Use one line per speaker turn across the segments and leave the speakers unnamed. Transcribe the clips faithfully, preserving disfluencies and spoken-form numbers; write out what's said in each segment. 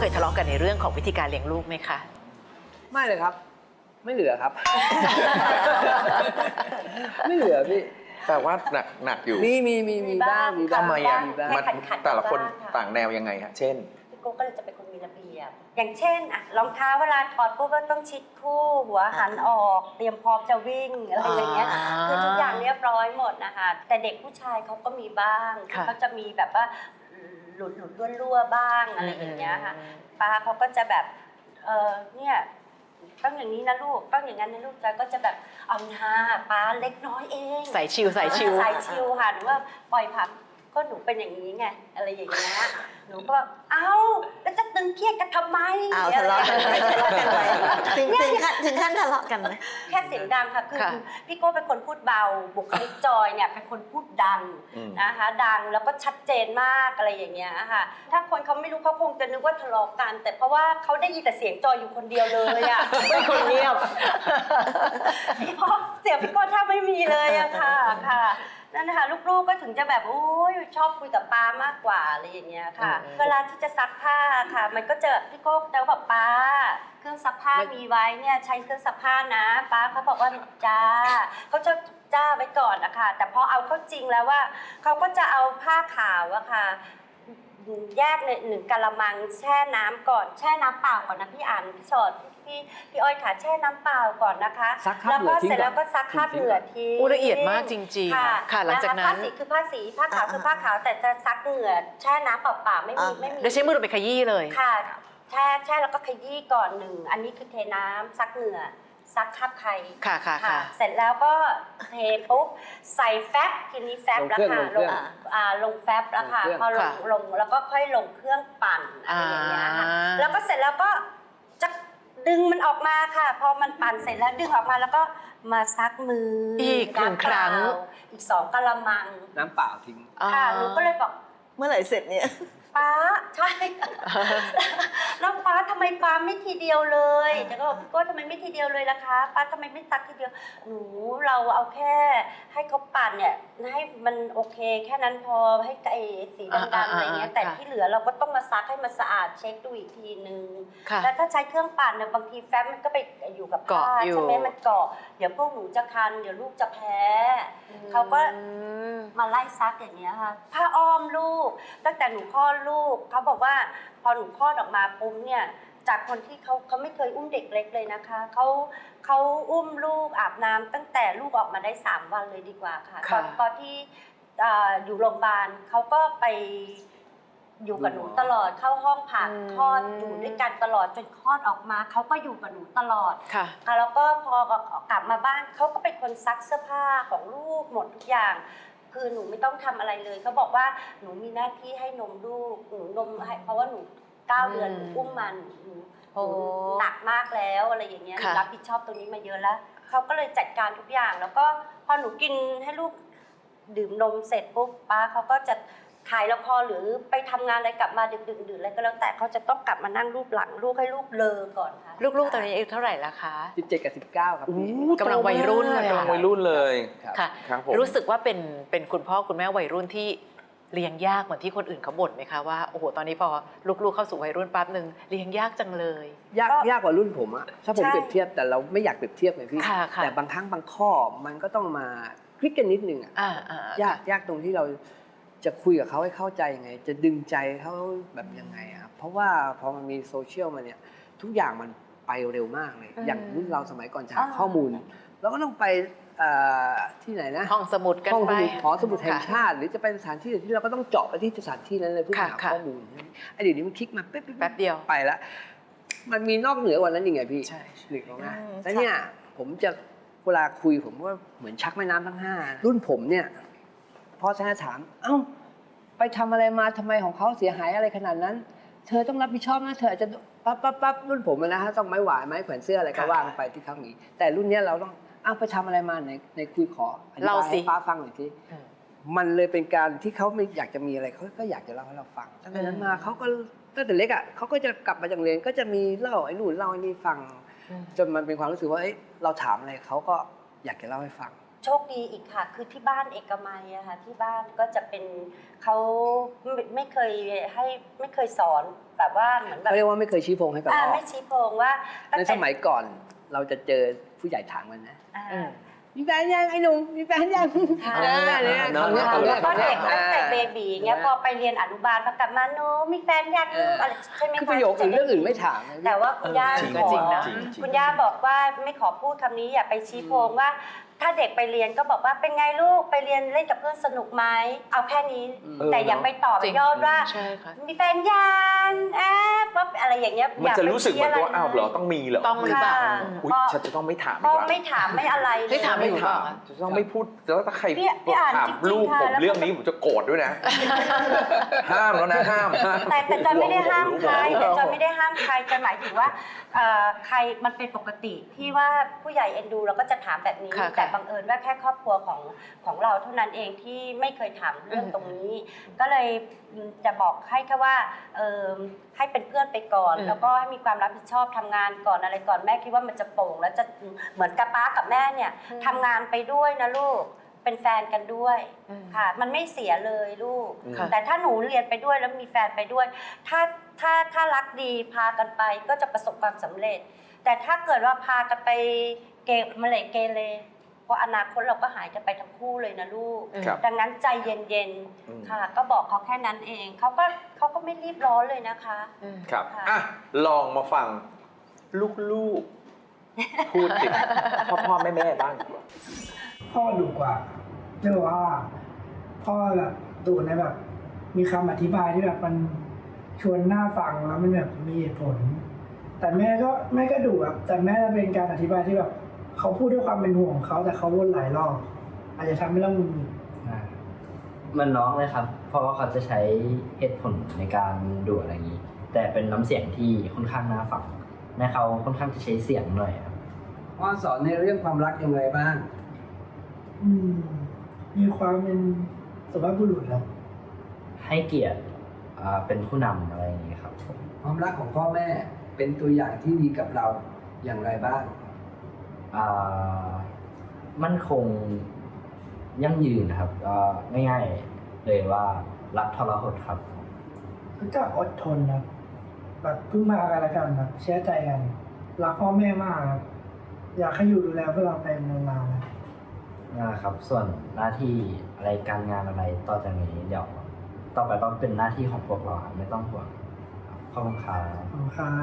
เคยทะเลาะกันในเรื่องของวิธีการเลี้ยงลูกไหมคะ
ไม่เลยครับไม่เหลือครับ ไม่เหลือพี่
แต่ว่าหนักหนักอยู่
มีมีมีมีบ้างมีบ้าง
ทำไมอ่ะ
มีบ้าง
มันแต่ละคนต่างแนวยังไงฮะเช่น
พี่โก้ก็เลยจะเป็นคนมีระเบียบอย่างเช่นอะรองเท้าเวลาถอดปุ๊บก็ต้องชิดคู่หัวหันออกเตรียมพร้อมจะวิ่งอะไรอย่างเงี้ยคือทุกอย่างเรียบร้อยหมดนะคะแต่เด็กผู้ชายเขาก็มีบ้างเขาจะมีแบบว่าหลุดหลุดรั่วๆบ้างอะไรอย่างเงี้ยค่ะป้าเขาก็จะแบบเออเนี่ยต้องอย่างนี้นะลูกต้องอย่างนั้นนะลูกจอยก็จะแบบเอาหน้าป้าเล็กน้อยเอง
ใส่ชิวใส่ชิว
ใส่ชิวค่ะหรือว่าปล่อยผักก็หนูเป็นอย่างนี้ไงอะไรอย่างเงี้ยหนูก็เอ้าแล้วจะตึงเครียดกันทำไม
อ้าวทะเลาะกันไปทะเลาะกันไปถึงถึงขั้นถึงขั้นทะเลาะกันไหม
แค่เสียงดังค่ะคือพี่โก้เป็นคนพูดเบาบุคลิกจอยเนี่ยเป็นคนพูดดังนะคะดังแล้วก็ชัดเจนมากอะไรอย่างเงี้ยค่ะถ้าคนเขาไม่รู้เขาคงจะนึกว่าทะเลาะกันแต่เพราะว่าเขาได้ยินแต่เสียงจอยอยู่คนเดียวเลยอ่ะ
ไม่คนเงียบ
เพราะเสียงพี่โก้ถ้าไม่มีเลยอะค่ะค่ะนั่นนะคะลูกๆก็ถึงจะแบบโอ้ยชอบคุยกับป้ามากกว่าอะไรอย่างเงี้ยค่ะเวลาที่จะซักผ้าค่ะมันก็จะพี่โก้จะแบบป้าเครื่องซักผ้ามีไว้เนี่ยใช้เครื่องซักผ้านะป้าเขาบอกว่าจ้าเขาจะจ้าไว้ก่อนนะคะแต่พอเอาเข้าจริงแล้วว่าเขาก็จะเอาผ้าขาวอะค่ะแยกในหนึ่งกะละมังแช่น้ำก่อนแช่น้ำเปล่าก่อนนะพี่อ่านพี่สดพี่พี่อ้อยค่ะแช่น้ำเปล่าก่อนนะคะแล้วก็เสร็จแล้วก็ซักคราบเหงื่อทิ้ง
ละเอียดมากจริงๆค่ะหลังจากนั้น
ผ้าสีคือผ้าสีผ้าขาวคือผ้าขาวแต่จะซักเหงื่อแช่น้ำเปล่าๆไม่มีไม่มี
โดยใช้มือไปขยี้เลย
ค่ะแช่แช่แล้วก็ขยี้ก่อนหนึ่งอันนี้คือเทน้ำซักเหงื่อซักคราบไข่
ค่ะค่ะค่ะ
เสร็จแล้วก็เทปุ๊บใส่แฟบทีนี้แฟบแล้วค่ะลงอ่าลงแฟบแล้วค่ะพอลงลงแล้วก็ค่อยลงเครื่องปั่นอะไรอย่างเงี้ยค่ะแล้วก็เสร็จแล้วก็จะดึงมันออกมาค่ะพอมันปั่นเสร็จแล้วดึงออกมาแล้วก็มาซักมือ
อีกหนึ่งครั้ง
อีกสองกะละมัง
น้ำเปล่าทิ้ง
ค่ะหนูก็เลยบอก
เมื่อไหร่เสร็จเนี่ย
ป้าใช่แล้วป้าทำไมป้าไม่ทีเดียวเลยจะก็บอกพี่โก้ทำไมไม่ทีเดียวเลยล่ะคะป้าทำไมไม่ซักทีเดียวหนูเราเอาแค่ให้เขาปั่นเนี่ยให้มันโอเคแค่นั้นพอให้ไอ้สีดำๆอะไรเงี้ยแต่ที่เหลือเราก็ต้องมาซักให้มันสะอาดเช็คดูอีกทีนึงแล้วถ้าใช้เครื่องปั่นเนี่ยบางทีแฟ้มมันก็ไปอยู่กับผ้าใช่ไหมมันเกาะเดี๋ยวพวกหนูจะคันเดี๋ยวลูกจะแพ้เขาก็มาไล่ซักอย่างเงี้ยค่ะผ้าอ้อมลูกตั้งแต่หนูคลอดลูกเขาบอกว่าพอหนูคลอดออกมาปุ๊บเนี่ยจากคนที่เขาเขาไม่เคยอุ้มเด็กเล็กเลยนะคะเขาเขาอุ้มลูกอาบน้ำตั้งแต่ลูกออกมาได้สามวันเลยดีกว่าค่ะตอนตอนที่อยู่โรงพยาบาลเขาก็ไปอยู่กับหนูตลอดเข้าห้องผ่าคลอดอยู่ด้วยกันตลอดจนคลอดออกมาเขาก็อยู่กับหนูตลอดค่ะแล้วก็พอกลับมาบ้านเขาก็เป็นคนซักเสื้อผ้าของลูกหมดทุกอย่างคือหนูไม่ต้องทำอะไรเลยเขาบอกว่าหนูมีหน้าที่ให้นมลูกหนูนมให้เพราะว่าหนูเก้าเดือนหนูอุ้มมันหนูหนักมากแล้วอะไรอย่างเงี้ยรับผิดชอบตรงนี้มาเยอะแล้วเขาก็เลยจัดการทุกอย่างแล้วก็พอหนูกินให้ลูกดื่มนมเสร็จปุ๊บป้าเขาก็จะถ่ายละครหรือไปทำงานอะไรกลับมาดึกดื่นดื่นอะไรก็แล้วแต่เขาจะต้องกลับมานั่งรูปหลังลูกให้ลูกเลอก่อนค่ะ
ลูกๆตอนนี้อายุเท่าไหร่ละคะ
สิบเจ็ดกับสิบเก้าครับ
กำลังวัยรุ่นเลย
กำลังวัยรุ่นเลย
ค่ะรู้สึกว่าเป็นเป็นคุณพ่อคุณแม่วัยรุ่นที่เลี้ยงยากเหมือนที่คนอื่นเขาบ่นไหมคะว่าโอ้โหตอนนี้พอลูกๆเข้าสู่วัยรุ่นปั๊บนึงเลี้ยงยากจังเลย
ยากยากกว่ารุ่นผมอะถ้าผมเปรียบเทียบแต่เราไม่อยากเปรียบเทียบไงพี่แต่บางครั้งบางข้อมันก็ต้องมาคลิกกันนิดนึงอะยากยากตรงที่เราจะคุยกับเขาให้เข้าใจยังไงจะดึงใจเขาแบบยังไงครับเพราะว่าพอมันมีโซเชียลมาเนี่ยทุกอย่างมันไปเร็วมากเลยอย่างรุ่นเราสมัยก่อนจะหาข้อมูลเราก็ต้องไปที่ไหนนะ
ห้องสมุดกันไป
หอสมุดแห่งชาติหรือจะไปสถานที่ที่เราก็ต้องเจาะไปที่สถานที่นั้นเลยเพื่อหาข้อมูลไอ้เดี๋ยวนี้มันคลิกมาแป๊บ
แป๊บเดียว
ไปแล้วมันมีนอกเหนือกว่านั้นยังไงพี่ใช่หลีกออกมาแล้วเนี่ยผมจะเวลาคุยผมว่าเหมือนชักแม่น้ำทั้งห้ารุ่นผมเนี่ยพอแซนถามเอ้าไปทำอะไรมาทำไมของเขาเสียหายอะไรขนาดนั้นเธอต้องรับผิดชอบนะเธออาจจะปั๊บปั๊บปั๊บรุ่นผมนะฮะต้องไม้หวายไม้แขวนเสื้ออะไรก็ว่าไปที่เขาหนีแต่รุ่นนี้เราต้องอ้าวไปทำอะไรมาในในคุยขออธิบายให้ป้าฟังหน่อยที่มันเลยเป็นการที่เขาไม่อยากจะมีอะไรเขาก็อยากจะเล่าให้เราฟังตั้งแต่นั้นมาเขาก็ตั้งแต่เล็กอ่ะเขาก็จะกลับมาจากเรียนก็จะมีเล่าไอ้นู่นเล่าไอ้นี่ฟังจนมันเป็นความรู้สึกว่าเราถามอะไรเขาก็อยากจะเล่าให้ฟัง
โชคดีอีกค่ะ คือที่บ้านเอกมัยอะค่ะที่บ้านก็จะเป็นเขาไม่ไม่เคยให้ไม่เคยสอนแบบว่าเหมือนแบบ
เขาเรียกว่าไม่เคยชี้โพงให้กับ
อ่า
พ่อ
ไม่ชี้โพงว่าตั้ง
ใน
แต่
สมัยก่อนเราจะเจอผู้ใหญ่ถามกันนะ
อ่า
อืม
มีแฟนยังไอ้หนุ่มมีแฟนยัง
ค่ะ
อ่าเนี่ยคำเนี้ยคำเนี้ย
ก็
คำเนี้
เด็
ย
กตั้งแต่เบบีเงี้ยพอไปเรียนอนุบาลพอกลับมาโนมีแฟนยังลูกอะไรใช่ไหม
คือ
คะ
ประโยคอื่นเรื่องอื่นไม่ถามนะ
แต่ว่าคุณย่า
จริง
ขอ
จริงนะ
จริงจริง
คุณย่าบอกว่าไม่ขอพูดคำนี้อย่าไปชี้โพงว่า ถ้าเด็กไปเรียนก็บอกว่าเป็นไงลูกไปเรียนเล่นกับเพื่อนสนุกไหมเอาแค่นี้
อืม
แต่อย่าไปตอบ
จริง
ยอดว่า
ใช่ค่ะ
มีแฟนยังแอบว่าอะไรอย่างเงี้ย
มัน
อย่า
จะ
ไป
รู้สึกเหมือนกับว่าอ้าวเหรอต้องมีเหรอ
ต้องหรือเปล่า
ค่ะ
อุ๊ยฉันจะต้องไม่ถาม
ก็
อีกแล้ว
ไม่ถามไม่อะไรเลย
ไม่ถามไม่
ไม่
ถูก
ถาม
เหรอ
จะต้องไม่พูดแล้วถ้าใคร
พี่พี่อ่าน
ถาม
จริงๆ
ลูก
ค่ะ
ผม
แล้ว
เรื่องนี้ผมจะโกรธด้วยนะ ห้ามแล้วนะห้ามห้าม
แต่แต่จะไม่ได้ห้ามใคร
รู้
แต่
รู้
จะไม่ได้ห้ามใครจะหมายถึงว่าเอ่อใครมันเป็นปกติที่ว่าผู้ใหญ่เอ็นดูเราก็จะถามแบบนี้
ค่ะ
แต่
ค่ะ
บังเอิญว่าแค่ครอบครัวของของเราเท่านั้นเองที่ไม่เคยถามเรื่องตรงนี้ ก็เลยจะบอกให้แค่ว่าเออให้เป็นเพื่อนไปก่อน
อืม
แล้วก็ให้มีความรับผิดชอบทำงานก่อนอะไรก่อนแม่คิดว่ามันจะโปร่งแล้วจะเหมือนกับป้ากับแม่เนี่ยทำงานไปด้วยนะลูกเป็นแฟนกันด้วย
อืม
ค่ะมันไม่เสียเลยลูก
อืม
ค่ะ
แต่ถ้าหนูเรียนไปด้วยแล้วมีแฟนไปด้วย ถ้าถ้าถ้ารักดีพากันไปก็จะประสบความสำเร็จ แต่ถ้าเกิดว่าพากันไปเกมะเลเกเรเพราะอนาคตเราก็หายกันไปทั้งคู่เลยนะลูก
ครับ
ดังนั้นใจเย็น
อืม
ๆค่ะ ก็บอกเขาแค่นั้นเองเขาก็เขาก็ไม่รีบร้อนเลยนะคะ
อืม
ครับ
ค่ะ
อ่ะลองมาฟังลูกๆ พูดติดพ่อพ่อแม่แม่บ้างดีกว่า
พ่อดุกว่าเรียกว่าพ่อแบบดุในแบบ มีคำอธิบายที่แบบมันชวนน่าฟังแล้วมันแบบมีเหตุผล แต่แม่ก็แม่ก็ดุแบบแต่แม่จะเป็นการอธิบายที่แบบเขาพูดด้วยความเป็นห่วงเขาแต่เขาวนหลายรอบอาจจะทำให้เราหงุดหงิด
อ่ามันน้องเลยครับ เพราะว่าเขาจะใช้เหตุผลในการดูอะไรอย่างนี้ แต่เป็นน้ำเสียงที่ค่อนข้างน่าฟังแม่เขาค่อนข้างจะใช้เสียงหน่อยครับ
พ่อสอนในเรื่องความรักยังไงบ้าง
อืมมีความเป็นสุภาพบุรุษครับ
ให้เกียรติอ่าเป็นผู้นำอะไรอย่างนี้ครับ
ความรักของพ่อแม่เป็นตัวอย่างที่ดีกับเราอย่างไรบ้าง
อ่ามั่นคงยั่งยืนนะครับก็ง่ายๆเลยว่ารักทรหดครับ
รู้จักอดทนครับแบบเพิ่งมากันแล้วกันครับเชื่อใจกันรักพ่อแม่มากครับอยากให้อยู่ดูแลพวกเราไปนานๆนะ
นะครับ ส่วนหน้าที่อะไรการงานอะไรต่อจากนี้เดี๋ยวต่อไปก็เป็นหน้าที่ของพวกเราครับไม่ต้องห่วงขอบคุณครับ
ขอบคุณครับ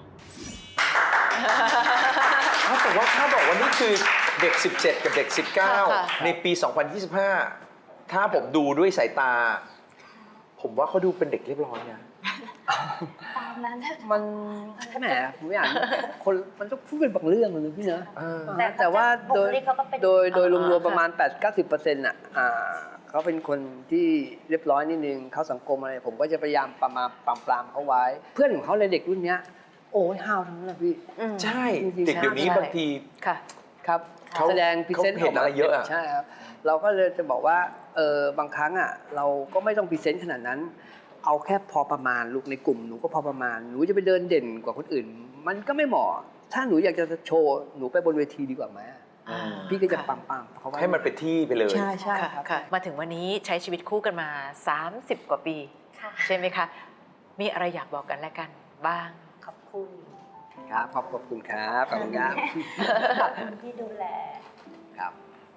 อ้าวแต่ว่าถ้าบอกว่านี่คือเด็ก สิบเจ็ด กับเด็ก สิบเก้า
ค่ะ
ในปี สองพันยี่สิบห้า ถ้าผมดูด้วยสายตา ผมว่าเขาดูเป็นเด็กเรียบร้อยนะ
ตามนั้น
มันแหมผมไม่อ่านคนมันต้องพูดเป็นบางเรื่องเลยพี่เนอะ
เออ
แต่
แต่ว่าโดย
บุคลิกเขาก็เป็น
โดยโดย
อ่าร
วมๆประมาณ
ค่ะ
แปดเก้าสิบเปอร์เซ็นต์อ่ะอ่าเขาเป็นคนที่เรียบร้อยนิดนึงเขาสังคมอะไรผมก็จะพยายามประมาณปรามปรามเขาไว้ เพื่อนของเขาเลยเด็กรุ่นเนี้ยโอ้ยห้าวทั้งนั้นนะพี่
อืม
ใช่
จริงๆ
เด็กเดี๋ยวนี้
ใช่
บางที
ค่ะ
ครับ
เขา
แสดงพรีเซนต์
เขาเห็นอะไรเยอะอะ
ใช่ครับเราก็เลยจะบอกว่าเออบางครั้งอ่ะเราก็ไม่ต้องพรีเซนต์ขนาดนั้น เอาแค่พอประมาณลูกในกลุ่มหนูก็พอประมาณหนูจะไปเดินเด่นกว่าคนอื่น มันก็ไม่เหมาะถ้าหนูอยากจะโชว์หนูไปบนเวทีดีกว่าไหม
อ่า
พี่ก็จะ
ค่ะ
ปังปังๆเขาไว้
ให้มันเป็นที่ไปเลย
ใช่ใช่
ค่ะ
ครับ
ค่ะ มาถึงวันนี้ใช้ชีวิตคู่กันมา สามสิบ กว่าปี
ค่ะ
ใช่ไหมคะ มีอะไรอยากบอกกันและกันบ้าง
ขอบคุณ
ครับขอบขอบคุณครับขอบคุณครับ
ขอบคุณที่ดูแล
ครับ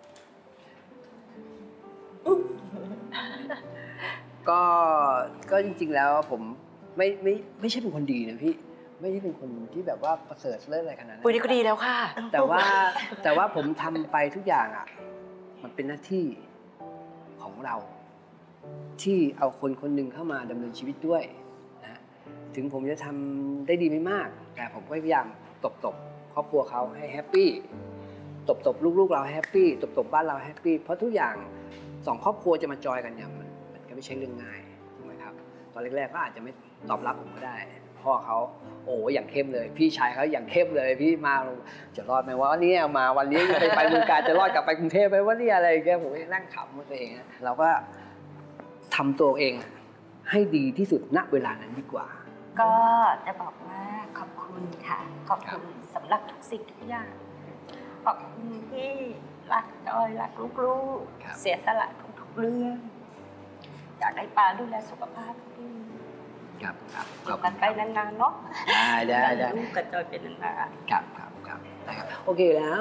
ก็ก็จริงๆแล้วผมไม่ไม่ไม่ใช่เป็นคนดีนะพี่ไม่ใช่เป็นคนที่แบบว่าประเสริฐเลิศอะไรขนาดนั้น
ปุ้ยนี่ก็ดีแล้วค่ะ
แต่ว่าแต่ว่าผมทำไปทุกอย่างอ่ะ มันเป็นหน้าที่ของเรา ที่เอาคนคนหนึ่งเข้ามาดำเนินชีวิตด้วยนะถึงผมจะทำได้ดีไม่มาก แต่ผมก็พยายามตบตบครอบครัวเขาให้แฮปปี้ตบตบลูกๆเราให้แฮปปี้ตบตบบ้านเราให้แฮปปี้เพราะทุกอย่างสองครอบครัวจะมาจอยกันเนี่ยมันมันก็ไม่ใช่เรื่องง่ายถูกไหมครับตอนแรกๆก็อาจจะไม่ตอบรับผมก็ได้ พ่อเขาโอ้อย่างเข้มเลย พี่ชายเขาอย่างเข้มเลยพี่มาจะรอดไหมวะวันนี้มาวันนี้ไปไปเมืองการจะรอดกลับไปกรุงเทพไหมว่านี่อะไรแกผมก็นั่งขำกับตัวเองนะเราก็ทำตัวเองให้ดีที่สุดณเวลานั้นดีกว่า
ก็จะบอกว่าขอบคุณค่ะ ขอบคุณสำหรับทุกสิ่งทุกอย่าง ขอบคุณที่รักจอยรักลูก
ครับ
ๆเสียสละทุกๆเรื่องอยากให้ป้าดูแลสุขภาพดี
ครับครับ
อยู่กันไปนานๆเนาะ
ได้ได้ได้
ลูกกับจอยเป็นนานๆ
ครับครับครับได้ครับโอเคแล้ว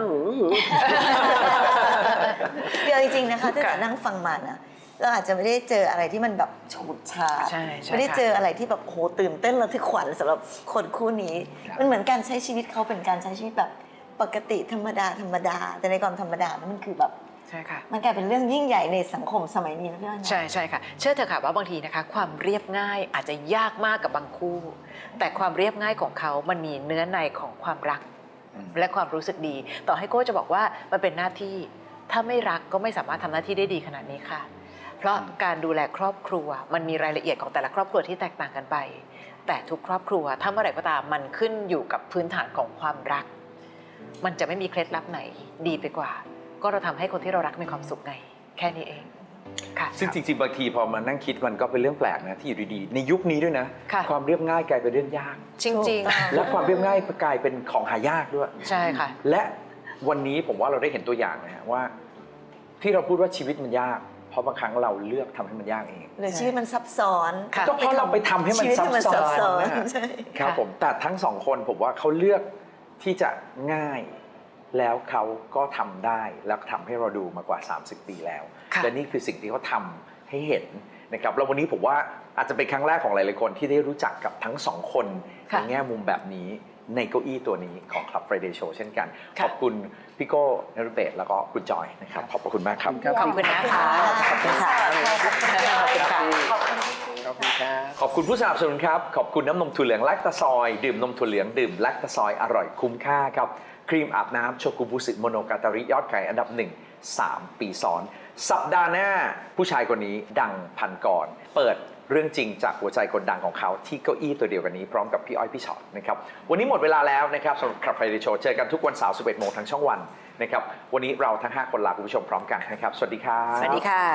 เดี๋ยวจริงๆนะคะถ้าจะนั่งฟังมานะเราอาจจะไม่ได้เจออะไรที่มันแบบฉูดฉาด
ใช่ใช่
ไม่ได้
ค่ะ
เจออะไรที่แบบโหตื่นเต้นระทึกขวัญสำหรับคนคู่นี้
ครับ
มันเหมือนการใช้ชีวิตเขาเป็นการใช้ชีวิตแบบปกติธรรมดาธรรมดา แต่ในความธรรมดานั้นมันคือแบบ
ใช่ค่ะ
มันกลายเป็นเรื่องยิ่งใหญ่ในสังคมสมัยนี้นะพี่อ้อยนะ
ใช่ใช่ค่ะ เชื่อเถอะค่ะว่าบางทีนะคะ ความเรียบง่ายอาจจะยากมากกับบางคู่ แต่ความเรียบง่ายของเขามันมีเนื้อในของความรัก
อืม
และความรู้สึกดี ต่อให้โก้จะบอกว่ามันเป็นหน้าที่ ถ้าไม่รักก็ไม่สามารถทำหน้าที่ได้ดีขนาดนี้ค่ะ เพราะการดูแลครอบครัวมันมีรายละเอียดของแต่ละครอบครัวที่แตกต่างกันไป แต่ทุกครอบครัวถ้าเมื่อไหร่ก็ตามมันขึ้นอยู่กับพื้นฐานของความรัก มันจะไม่มีเคล็ดลับไหนดีไปกว่า ก็เราทำให้คนที่เรารักมีความสุขไง แค่นี้เองค่ะ
ซึ่งจริงๆบางทีพอมานั่งคิดมันก็เป็นเรื่องแปลกนะที่อยู่ดีๆในยุคนี้ด้วยนะ
ค่ะ
ความเรียบง่ายกลายเป็นเรื่องยาก
จริง
และความเรียบง่ายกลายเป็นของหายากด้วย
ๆ ใช่ค่ะ
และวันนี้ผมว่าเราได้เห็นตัวอย่างนะฮะว่า ที่เราพูดว่าชีวิตมันยาก เพราะบางครั้งเราเลือกทำให้มันยากเอง
หรือชีวิตมันซับซ้อน
ค่ะ
ก็เพราะเราไปทำให้มัน
ชีวิต
ซับ
ที่มัน
ซ้
ซับซ้
อ
อน น
นะ
ใช่
ครับ
ค่ะ
ผมแต่ทั้งสองคนผมว่าเขาเลือกที่จะง่าย แล้วเขาก็ทำได้แล้วทำให้เราดูมากว่า สามสิบ ปีแล้ว
ค่ะ
และนี่คือสิ่งที่เขาทำให้เห็นนะครับแล้ววันนี้ผมว่าอาจจะเป็นครั้งแรกของหลายๆคนที่ได้รู้จักกับทั้งสองคนใน
ค่ะ
แง่มุมแบบนี้ในเก้าอี้ตัวนี้ของ Club Friday Show เช่นกัน
ค่ะ
ขอบคุณพี่โก้นฤเบศแล้วก็คุณจอยนะครับขอบพระคุณมากครับ
ขอบคุณนะคะ
ขอบคุณค่ะ
ขอบคุณค่ะ
ขอบคุณครับ
ขอบคุณผู้สนับสนุนครับ ขอบคุณน้ำนมถั่วเหลืองแลคตาซอยดื่มนมถั่วเหลืองดื่มแลคตาซอยอร่อยคุ้มค่าครับครีมอาบน้ำโชกุบุสึโมโนกาตาริยอดขายอันดับหนึ่ง สาม ปีซ้อน สัปดาห์หน้าผู้ชายคนนี้ดังพันกรเปิดเรื่องจริงจากหัวใจคนดังของเขาที่เก้าอี้ตัวเดียวกันนี้พร้อมกับพี่อ้อยพี่ชอตนะครับวันนี้หมดเวลาแล้วนะครับสำหรับ Club Friday Show เจอกันทุกวันเสาร์ สิบเอ็ด โมงทางช่องวันนะครับวันนี้เราทั้งห้าคนลาคุณผู้ชมพร้อมกันนะครับสวัสดีครับ
สวัสดีค่ะ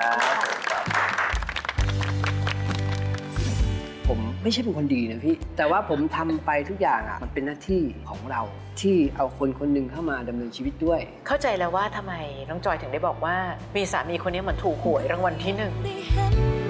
ผมไม่ใช่เป็นคนดีนะพี่ แต่ว่าผมทำไปทุกอย่างอ่ะมันเป็นหน้าที่ของเราที่เอาคนคนหนึ่งเข้ามาดำเนินชีวิตด้วย
เข้าใจแล้วว่าทำไมน้องจอยถึงได้บอกว่า มีสามีคนนี้เหมือนถูกหวยรางวัลที่หนึ่ง
ได้เห็น